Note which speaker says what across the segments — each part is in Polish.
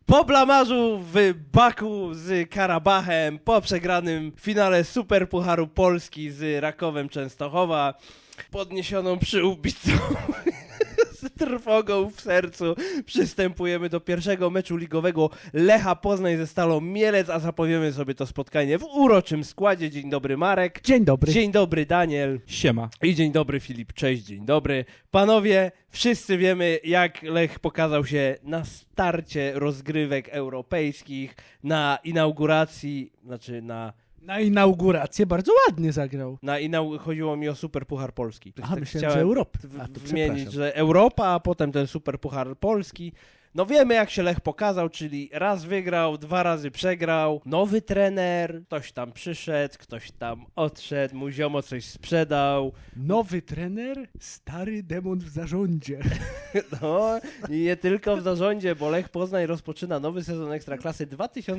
Speaker 1: Po blamarzu w Baku z Karabachem, po przegranym finale Superpucharu Polski z Rakowem Częstochowa, podniesioną przyłbicą z trwogą w sercu przystępujemy do pierwszego meczu ligowego Lecha Poznań ze Stalą Mielec, a zapowiemy sobie to spotkanie w uroczym składzie. Dzień dobry Marek.
Speaker 2: Dzień dobry.
Speaker 1: Dzień dobry Daniel.
Speaker 3: Siema.
Speaker 1: I dzień dobry Filip. Cześć, dzień dobry. Panowie, wszyscy wiemy, jak Lech pokazał się na starcie rozgrywek europejskich, na inauguracji,
Speaker 2: Na inaugurację bardzo ładnie zagrał.
Speaker 1: chodziło mi o Superpuchar Polski.
Speaker 2: Aha,
Speaker 1: Tak
Speaker 2: myślałem, że
Speaker 1: chciałem
Speaker 2: Europy.
Speaker 1: wymienić, że Europa, a potem ten Superpuchar Polski. No wiemy, jak się Lech pokazał, czyli raz wygrał, 2 razy przegrał. Nowy trener, ktoś tam przyszedł, ktoś tam odszedł, mu ziomo coś sprzedał.
Speaker 2: Nowy trener, stary demon w zarządzie.
Speaker 1: No i nie tylko w zarządzie, bo Lech Poznań rozpoczyna nowy sezon Ekstraklasy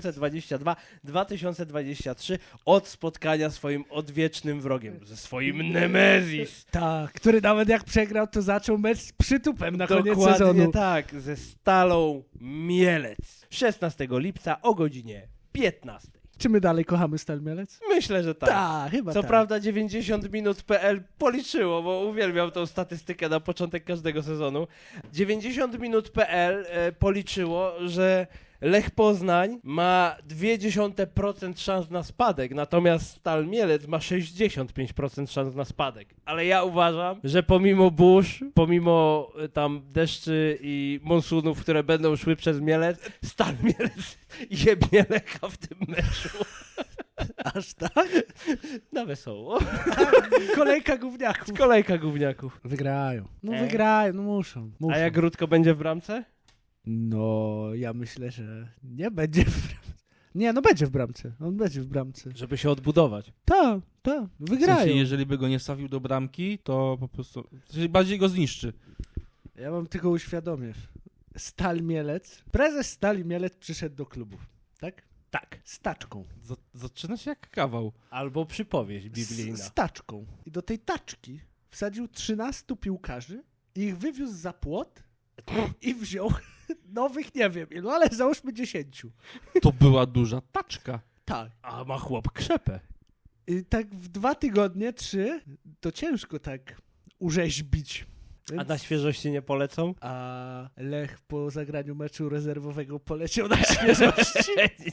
Speaker 1: 2022-2023 od spotkania swoim odwiecznym wrogiem, ze swoim Nemezis.
Speaker 2: Tak, który nawet jak przegrał, to zaczął mecz z przytupem na koniec
Speaker 1: Dokładnie
Speaker 2: sezonu.
Speaker 1: tak, ze Stalą Mielec. 16 lipca o godzinie 15.
Speaker 2: Czy my dalej kochamy Stal Mielec?
Speaker 1: Myślę, że tak.
Speaker 2: Tak, chyba
Speaker 1: Co
Speaker 2: tak.
Speaker 1: prawda 90minut.pl policzyło, bo uwielbiam tą statystykę na początek każdego sezonu. 90minut.pl policzyło, że Lech Poznań ma 0,2% szans na spadek, natomiast Stal Mielec ma 65% szans na spadek. Ale ja uważam, że pomimo burz, pomimo tam deszczy i monsunów, które będą szły przez Mielec, Stal Mielec jebnie Lecha w tym meczu.
Speaker 2: Aż tak?
Speaker 1: Na wesoło.
Speaker 2: Kolejka gówniaków.
Speaker 1: Kolejka gówniaków.
Speaker 2: Wygrają. Wygrają, muszą.
Speaker 1: A jak Rutko będzie w bramce?
Speaker 2: No, ja myślę, że nie będzie w bramce. Nie, no będzie w bramce. On będzie w bramce.
Speaker 1: Żeby się odbudować.
Speaker 2: Tak,
Speaker 3: W
Speaker 2: wygrają.
Speaker 3: sensie, jeżeli by go nie wstawił do bramki, to po prostu w sensie bardziej go zniszczy.
Speaker 2: Ja wam tylko uświadomię. Stal Mielec, prezes Stali Mielec przyszedł do klubów, tak?
Speaker 1: Tak.
Speaker 2: Z taczką.
Speaker 3: Zaczyna się jak kawał.
Speaker 1: Albo przypowieść biblijna.
Speaker 2: Z taczką. I do tej taczki wsadził 13 piłkarzy, ich wywiózł za płot i wziął nowych, nie wiem ilu, ale załóżmy 10.
Speaker 3: To była duża taczka.
Speaker 2: Tak.
Speaker 1: A ma chłop krzepę.
Speaker 2: I tak w 2 tygodnie, 3, to ciężko tak urzeźbić.
Speaker 1: A
Speaker 2: Więc...
Speaker 1: na świeżości nie polecą?
Speaker 2: A Lech po zagraniu meczu rezerwowego poleciał na świeżości.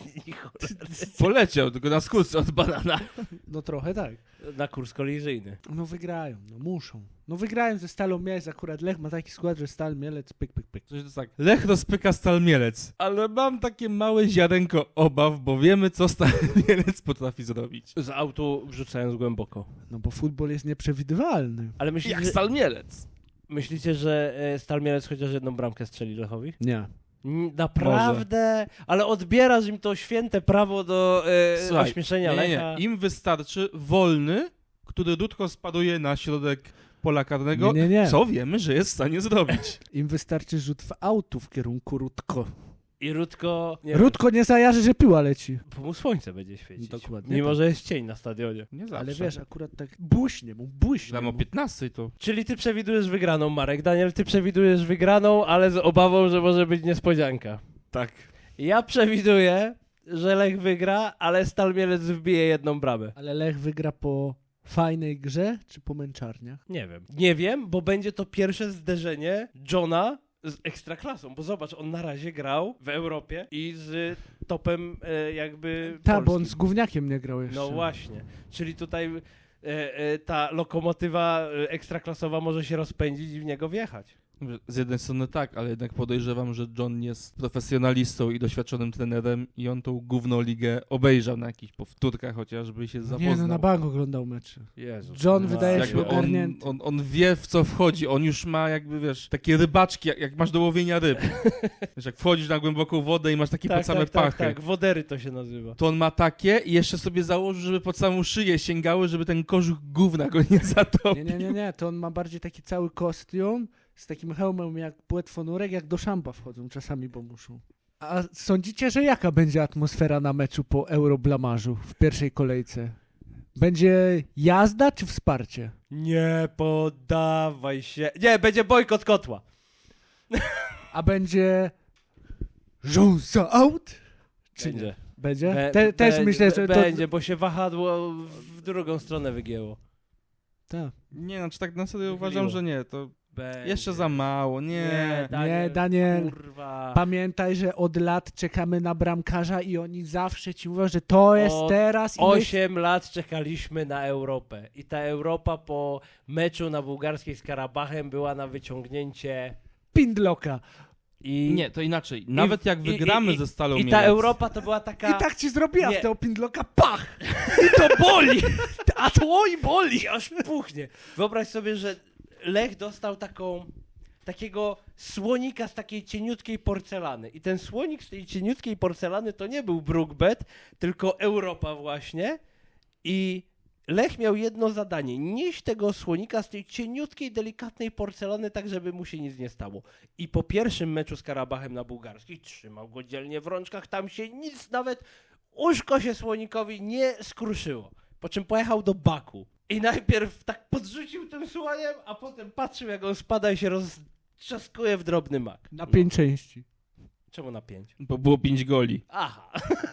Speaker 3: Poleciał, tylko na skórce od banana.
Speaker 2: No trochę tak.
Speaker 1: Na kurs kolizyjny.
Speaker 2: No wygrają, no muszą. No wygrają ze Stalą Mielec, akurat Lech ma taki skład, że Stal Mielec, pyk.
Speaker 3: Coś to jest tak. Lech rozpyka Stal Mielec. Ale mam takie małe ziarenko obaw, bo wiemy, co Stal Mielec potrafi zrobić.
Speaker 1: Z autu wrzucając głęboko.
Speaker 2: No bo futbol jest nieprzewidywalny.
Speaker 1: Ale
Speaker 3: Jak Stal Mielec.
Speaker 1: myślicie, że Stal Mielec chociaż jedną bramkę strzeli Lechowi?
Speaker 2: Nie.
Speaker 1: Naprawdę? Ale odbierasz im to święte prawo do
Speaker 3: Słuchaj,
Speaker 1: ośmieszenia Lecha?
Speaker 3: Im wystarczy wolny, który Dudko spaduje na środek pola karnego,
Speaker 2: Nie.
Speaker 3: co wiemy, że jest w stanie zrobić.
Speaker 2: Im wystarczy rzut w autu w kierunku Rutko.
Speaker 1: I Rutko...
Speaker 2: Rutko nie zajarzy, że piła leci.
Speaker 1: Bo mu słońce będzie świecić.
Speaker 2: Dokładnie
Speaker 1: Mimo,
Speaker 2: tak.
Speaker 1: że jest cień na stadionie.
Speaker 3: Nie zawsze.
Speaker 2: Ale wiesz, akurat tak błyśnie mu.
Speaker 3: Tam o 15 to...
Speaker 1: Czyli ty przewidujesz wygraną, Marek. Daniel, ty przewidujesz wygraną, ale z obawą, że może być niespodzianka.
Speaker 3: Tak.
Speaker 1: Ja przewiduję, że Lech wygra, ale Stal Mielec wbije jedną bramę.
Speaker 2: Ale Lech wygra po fajnej grze, czy po męczarniach?
Speaker 1: Nie wiem. Nie wiem, bo będzie to pierwsze zderzenie Johna z Ekstraklasą, bo zobacz, on na razie grał w Europie i z topem jakby
Speaker 2: Tak, bo on
Speaker 1: polskim.
Speaker 2: z gówniakiem nie grał jeszcze.
Speaker 1: No właśnie. Czyli tutaj ta lokomotywa ekstraklasowa może się rozpędzić i w niego wjechać.
Speaker 3: Z jednej strony tak, ale jednak podejrzewam, że John jest profesjonalistą i doświadczonym trenerem i on tą gówną ligę obejrzał na jakichś powtórkach chociażby i się zapoznał.
Speaker 2: Nie, no na bank oglądał mecze.
Speaker 1: Jezu.
Speaker 2: John wydaje się
Speaker 3: Jakby
Speaker 2: ogarnięty.
Speaker 3: on wie, w co wchodzi, on już ma jakby, wiesz, takie rybaczki, jak masz do łowienia ryb. Wiesz, jak wchodzisz na głęboką wodę i masz takie pod same pachy.
Speaker 1: Tak, wodery to się nazywa.
Speaker 3: To on ma takie i jeszcze sobie założył, żeby pod samą szyję sięgały, żeby ten kożuch gówna go nie zatopił.
Speaker 2: Nie, to on ma bardziej taki cały kostium z takim hełmem jak płetwonurek, jak do szampa wchodzą czasami, bo muszą. A sądzicie, że jaka będzie atmosfera na meczu po Euroblamarzu w pierwszej kolejce? Będzie jazda czy wsparcie?
Speaker 1: Nie poddawaj się. Nie, będzie bojkot kotła.
Speaker 2: A będzie Rząsa out? Czy
Speaker 1: Będzie.
Speaker 2: nie? Będzie? Też
Speaker 1: Będzie,
Speaker 2: myślę, że to...
Speaker 1: będzie, bo się wahadło w drugą stronę wygięło.
Speaker 2: Tak.
Speaker 3: Nie, znaczy tak na serio
Speaker 1: Wychyliło.
Speaker 3: uważam, że nie, to
Speaker 1: Będzie.
Speaker 3: jeszcze za mało, nie.
Speaker 2: Nie, Daniel.
Speaker 1: Kurwa.
Speaker 2: Pamiętaj, że od lat czekamy na bramkarza i oni zawsze ci mówią, że to jest
Speaker 1: Od
Speaker 2: teraz i my...
Speaker 1: 8 lat czekaliśmy na Europę. I ta Europa po meczu na bułgarskiej z Karabachem była na wyciągnięcie.
Speaker 2: Pindloka.
Speaker 1: I
Speaker 3: Nie, to inaczej. Nawet jak
Speaker 1: i-
Speaker 3: wygramy
Speaker 1: i-
Speaker 3: ze Stalą
Speaker 1: I ta
Speaker 3: Mielec,
Speaker 1: Europa to była taka...
Speaker 2: I tak ci zrobiła
Speaker 1: Nie.
Speaker 2: w tego Pindloka, pach! I to boli! A to oj boli!
Speaker 1: aż puchnie. Wyobraź sobie, że Lech dostał takiego słonika z takiej cieniutkiej porcelany. I ten słonik z tej cieniutkiej porcelany to nie był Brookbet, tylko Europa właśnie. I Lech miał jedno zadanie. Nieść tego słonika z tej cieniutkiej, delikatnej porcelany tak, żeby mu się nic nie stało. I po pierwszym meczu z Karabachem na bułgarskiej trzymał go dzielnie w rączkach. Tam się nic, nawet uszko się słonikowi nie skruszyło. Po czym pojechał do Baku. I najpierw tak podrzucił tym słoniem, a potem patrzył, jak on spada i się roztrzaskuje w drobny mak.
Speaker 2: Na 5 części.
Speaker 1: Czemu na 5?
Speaker 3: bo było 5 goli.
Speaker 1: Aha.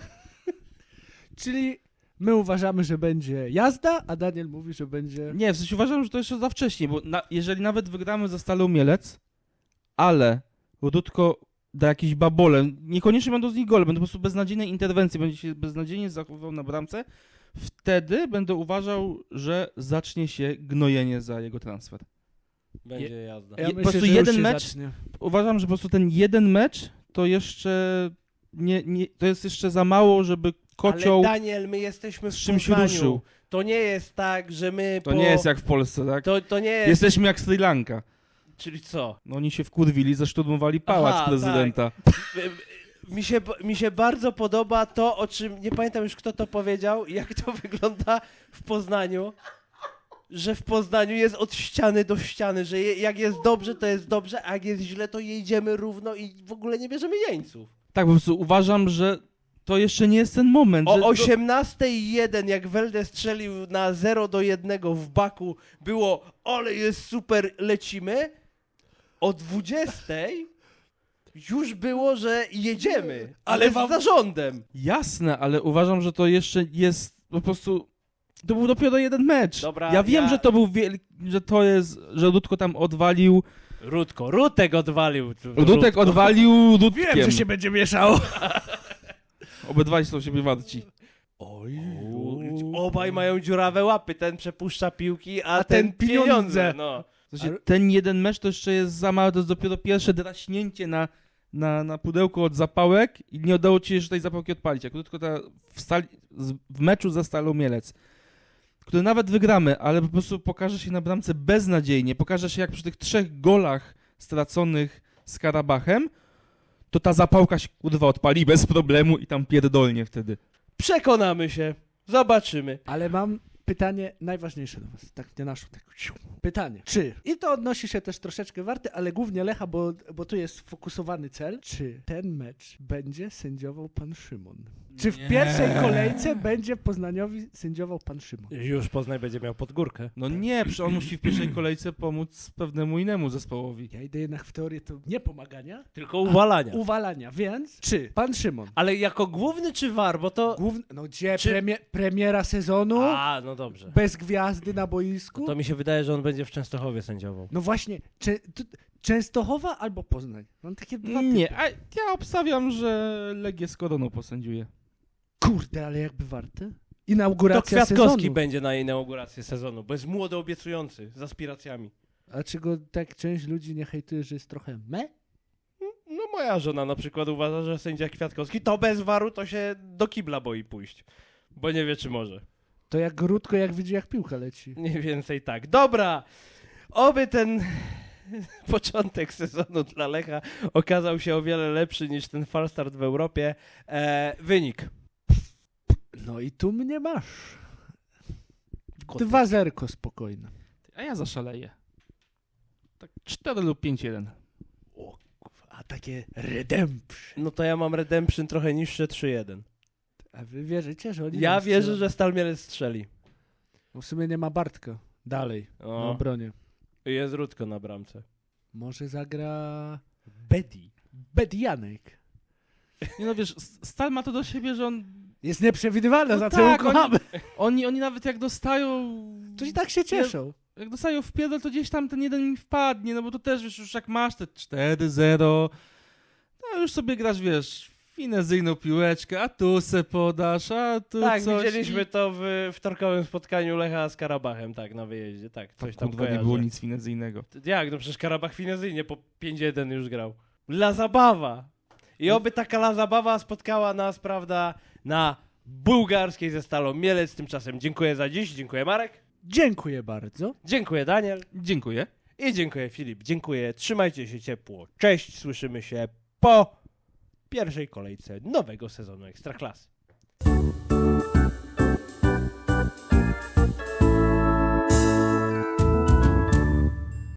Speaker 2: Czyli my uważamy, że będzie jazda, a Daniel mówi, że będzie...
Speaker 3: Nie, w sensie uważam, że to jeszcze za wcześnie, bo jeżeli nawet wygramy ze Stalą Mielec, ale Rudko da jakiś babole, niekoniecznie będą z nich gole, będą po prostu beznadziejne interwencje, będzie się beznadziejnie zachowywał na bramce, wtedy będę uważał, że zacznie się gnojenie za jego transfer.
Speaker 1: Będzie jazda.
Speaker 2: Ja
Speaker 3: po
Speaker 2: myślę,
Speaker 3: prostu
Speaker 2: że już
Speaker 3: jeden
Speaker 2: się
Speaker 3: mecz-
Speaker 2: zacznie.
Speaker 3: Uważam, że po prostu ten jeden mecz to jeszcze to jest jeszcze za mało, żeby kocioł
Speaker 1: Ale Daniel, my jesteśmy w
Speaker 3: z czymś
Speaker 1: Poznaniu.
Speaker 3: ruszył.
Speaker 1: To nie jest tak, że my
Speaker 3: To nie jest jak w Polsce, tak?
Speaker 1: To nie jest...
Speaker 3: Jesteśmy jak Sri Lanka.
Speaker 1: Czyli co?
Speaker 3: No oni się wkurwili, zaszturmowali pałac
Speaker 1: Aha,
Speaker 3: prezydenta.
Speaker 1: Mi się bardzo podoba to, o czym nie pamiętam już kto to powiedział, jak to wygląda w Poznaniu, że w Poznaniu jest od ściany do ściany, że jak jest dobrze, to jest dobrze, a jak jest źle, to jedziemy równo i w ogóle nie bierzemy jeńców.
Speaker 3: Tak, po prostu uważam, że to jeszcze nie jest ten moment.
Speaker 1: O
Speaker 3: że
Speaker 1: 18:01, jak Welde strzelił na 0-1 w Baku, było ale jest super, lecimy. O 20:00 już było, że jedziemy, ale z zarządem.
Speaker 3: Jasne, ale uważam, że to jeszcze jest po prostu... To był dopiero jeden mecz.
Speaker 1: Dobra,
Speaker 3: ja wiem,
Speaker 1: ja-
Speaker 3: że to był że to jest, że Rudko tam odwalił.
Speaker 1: Rutek odwalił.
Speaker 3: Rudek odwalił Rudkiem.
Speaker 2: Wiem, że się będzie mieszało.
Speaker 3: Obydwaj są siebie warci.
Speaker 1: Oj, obaj mają dziurawe łapy, ten przepuszcza piłki, a
Speaker 2: ten
Speaker 1: ten pieniądze.
Speaker 2: pieniądze.
Speaker 1: No.
Speaker 3: W sensie, ten jeden mecz to jeszcze jest za mało, to jest dopiero pierwsze draśnięcie na pudełko od zapałek i nie udało ci się jeszcze tej zapałki odpalić. Jak tylko w meczu za Stalą Mielec, który nawet wygramy, ale po prostu pokaże się na bramce beznadziejnie, pokaże się jak przy tych 3 golach straconych z Karabachem, to ta zapałka się kurwa odpali bez problemu i tam pierdolnie wtedy.
Speaker 1: Przekonamy się, zobaczymy.
Speaker 2: Ale mam pytanie najważniejsze do was. Tak nie naszło. Tak. Pytanie. Czy, i to odnosi się też troszeczkę warty, ale głównie Lecha, bo tu jest sfokusowany cel. Czy ten mecz będzie sędziował pan Szymon? Czy w
Speaker 3: Nie.
Speaker 2: pierwszej kolejce będzie Poznaniowi sędziował pan Szymon?
Speaker 1: Już Poznań będzie miał pod górkę.
Speaker 3: No nie, przecież on musi w pierwszej kolejce pomóc pewnemu innemu zespołowi.
Speaker 2: Ja idę jednak w teorię to nie pomagania,
Speaker 1: Tylko uwalania.
Speaker 2: uwalania, więc czy pan Szymon,
Speaker 1: Ale jako główny czy war, bo to...
Speaker 2: główny, no gdzie
Speaker 1: Czy-
Speaker 2: premiera sezonu,
Speaker 1: A, no dobrze.
Speaker 2: bez gwiazdy na boisku?
Speaker 1: To mi się wydaje, że on będzie w Częstochowie sędziował.
Speaker 2: No właśnie, Częstochowa albo Poznań. Mam takie dwa
Speaker 3: Nie,
Speaker 2: typy.
Speaker 3: a ja obstawiam, że Legię z Koroną posędziuje.
Speaker 2: Kurde, ale jakby warte?
Speaker 1: To
Speaker 2: Inauguracja
Speaker 1: Kwiatkowski
Speaker 2: sezonu.
Speaker 1: będzie na inaugurację sezonu, bo jest młody, obiecujący, z aspiracjami.
Speaker 2: A czy go tak część ludzi nie hejtuje, że jest trochę me?
Speaker 1: No moja żona na przykład uważa, że sędzia Kwiatkowski to bez waru to się do kibla boi pójść, bo nie wie czy może.
Speaker 2: To jak Grudko, jak widzi, jak piłka leci.
Speaker 1: Mniej więcej tak. Dobra, oby ten początek sezonu dla Lecha okazał się o wiele lepszy niż ten falstart w Europie. Wynik.
Speaker 2: No i tu mnie masz.
Speaker 1: Kotek.
Speaker 2: 2-0 spokojne.
Speaker 3: A ja zaszaleję. Tak 4 lub 5-1.
Speaker 2: A takie redemption.
Speaker 1: No to ja mam Redemption trochę niższe 3-1.
Speaker 2: A wy wierzycie, że oni...
Speaker 1: Ja
Speaker 2: nam
Speaker 1: wierzę,
Speaker 2: strzelą?
Speaker 1: że Stal Mielec strzeli.
Speaker 2: No w sumie nie ma Bartka. Dalej. Na
Speaker 1: O,
Speaker 2: obronie.
Speaker 1: jest Rutko na bramce.
Speaker 2: Może zagra...
Speaker 1: Bedi.
Speaker 2: Bedianek.
Speaker 3: Nie no wiesz, Stal ma to do siebie, że on...
Speaker 2: Jest nieprzewidywalne,
Speaker 3: No
Speaker 2: za co
Speaker 3: tak,
Speaker 2: ją kochamy.
Speaker 3: Oni nawet jak dostają...
Speaker 2: To i tak się cieszą.
Speaker 3: Jak dostają w pierdol, to gdzieś tam ten jeden mi wpadnie, no bo to też, wiesz, już jak masz te 4-0, no już sobie grasz, wiesz, finezyjną piłeczkę, a tu se podasz, a tu
Speaker 1: Tak,
Speaker 3: coś.
Speaker 1: widzieliśmy to w wtorkowym spotkaniu Lecha z Karabachem, tak, na wyjeździe, tak, coś tam
Speaker 3: Kurwa, nie
Speaker 1: kojarzę.
Speaker 3: było nic finezyjnego.
Speaker 1: Jak, no przecież Karabach finezyjnie po 5-1 już grał. La zabawa. I oby taka la zabawa spotkała nas, prawda, na bułgarskiej ze Stalą Mielec. Tymczasem dziękuję za dziś, dziękuję Marek,
Speaker 2: Dziękuję bardzo.
Speaker 1: dziękuję Daniel
Speaker 3: Dziękuję.
Speaker 1: i dziękuję Filip. Dziękuję, trzymajcie się ciepło. Cześć, słyszymy się po pierwszej kolejce nowego sezonu Ekstraklasy.